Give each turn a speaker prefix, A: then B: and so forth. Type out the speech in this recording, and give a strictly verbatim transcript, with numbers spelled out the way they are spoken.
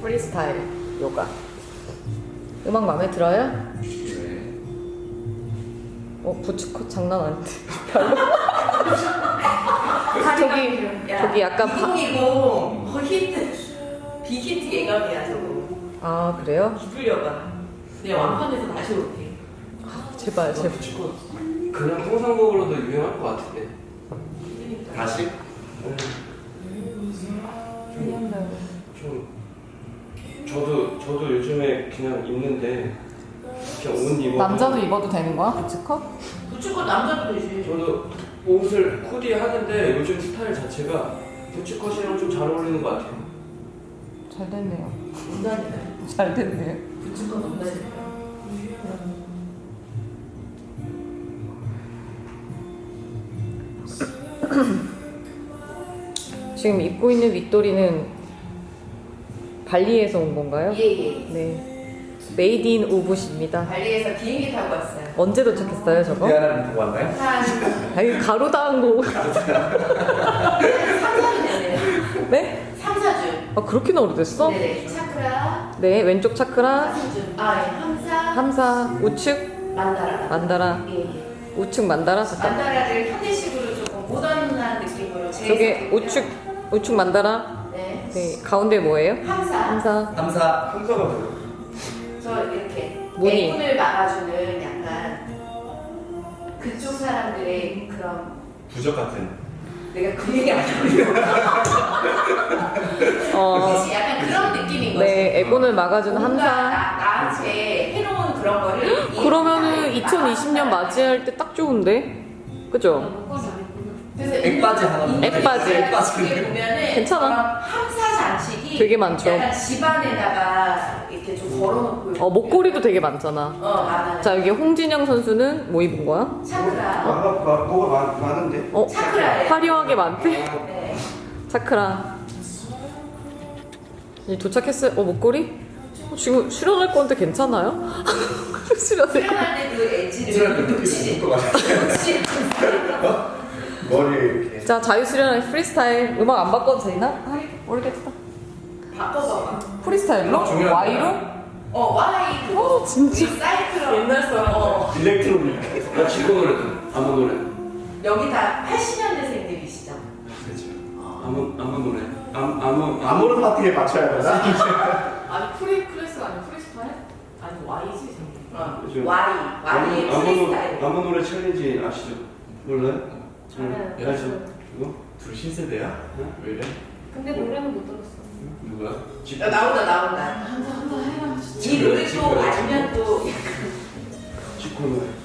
A: 프리스타일 요가. 음악 마음에 들어요?
B: 네.
A: 어, 부츠컷 장난 아닌데. 별로. 저기, 저기 약간 바...
C: 이공이공 어, 히트 빅히트 예감이야 저거.
A: 아, 그래요?
C: 기술려가 그냥 완판해서 다시 올게.
A: 제발, 제발.
B: 그냥 통상곡으로도 유명할 것 같은데.
D: 다시?
B: 좀 저도 저도 요즘에 그냥 입는데 그냥 옷 입어.
A: 남자도 입어도 되는 거야? 부츠컷?
C: 부츠컷 남자도 되지.
B: 저도 옷을 코디 하는데 요즘 스타일 자체가 부츠컷이랑 좀 잘 어울리는 것 같아요.
A: 잘 됐네요.
C: 온다니까.
A: 잘 됐네요.
C: 부츠컷 온다니까.
A: 지금 입고 있는 윗도리는 발리에서 온 건가요?
C: 예예.
A: 네. 메이드 인 우붓입니다.
C: 발리에서 비행기 타고 왔어요.
A: 언제 도착했어요, 저거?
D: 미안한 보고 왔나요?
C: 한
A: 아니, 가로당한 거.
C: 삼, 사 주 됐네요.
A: 네?
C: 삼, 사 주.
A: 아, 그렇게나 오래됐어?
C: 네네. 차크라,
A: 네, 왼쪽 차크라,
C: 사승준, 아, 예. 함사,
A: 함사, 우측,
C: 만다라.
A: 만다라.
C: 예, 예.
A: 우측 만다라. 잠깐.
C: 만다라를 현대식으로 조금 모던한 느낌으로
A: 저게 우측, 우측 만다라.
C: 네.
A: 네, 가운데 뭐예요?
C: 함사.
A: 함사.
D: 감사.
B: 함사가 뭐예요?
C: 저 이렇게
A: 무늬.
C: 애군을 막아주는 약간 그쪽 사람들의 그런
D: 부적 같은.
C: 내가 그 얘기 안 하려고
A: 어,
C: 그치? 약간 그런 느낌인 거지.
A: 네, 애곤을 막아주는
C: 뭔가
A: 함사.
C: 나, 나한테 해놓은 그런 거를
A: 그러면은 이천이십 년 맞이할 때 딱 좋은데? 그죠?
C: 그래서
D: 액바지 하나
C: 인도
A: 액바지.
C: 쪽에 보면은
A: 괜찮아.
C: 그런 함사 장식이
A: 되게 많죠.
C: 약간 집안에다가 이렇게 좀 걸어놓고
A: 어, 목걸이도 되게 많잖아.
C: 어 많아요.
A: 자, 여기 홍진영 선수는 뭐 입은 거야?
C: 차크라.
B: 뭐가 뭐가 많, 많은데?
A: 어,
C: 차크라예요.
A: 화려하게 많대?
C: 네.
A: 차크라. 이 도착했어요. 어, 목걸이? 어, 지금 수련할 건데 괜찮아요? 수련할 거.
C: 수련할 때그 엣지를
D: 수련할 때
C: 놓치지.
D: 묶어 가지고.
C: 놓치지.
D: 머리 이렇게.
A: 자, 자유수련의 프리스타일. 음악 안 바꿔도 되나? 아, 모르겠다.
C: 바꿔봐봐.
A: 프리스타일로?
D: 중요한
A: Y로?
C: 어 와이 그거.
A: 어, 진짜.
C: 우리 사이클로 옛날 사람. 어.
D: 일렉트로닉.
B: 나 지금 노래도 아무 노래.
C: 여기 다 팔십 년대생들이시죠?
D: 그렇죠.
B: 아무 아무 노래. 아무 아무
D: 아무런 파티에 맞춰야 되나?
E: 아니 프리 클래스가 아니고 프리스타일? 아니 Y지 생긴.
C: 어.
B: 그죠.
C: 와이
B: 아무
C: 와이의
B: 아무
C: 프리스타일.
B: 노- 아무 노래 챌린지 아시죠? 몰라요?
E: 알아요.
B: 응, 알죠? 이거?
D: 둘 신세대야? 왜 이래?
E: 근데 노래는 못 들었어.
B: 누구야? 집.
C: 야, 나온다 나온다.
E: 한다 한다 해라.
C: 이 노래 또 알면 또
B: 지코 노래.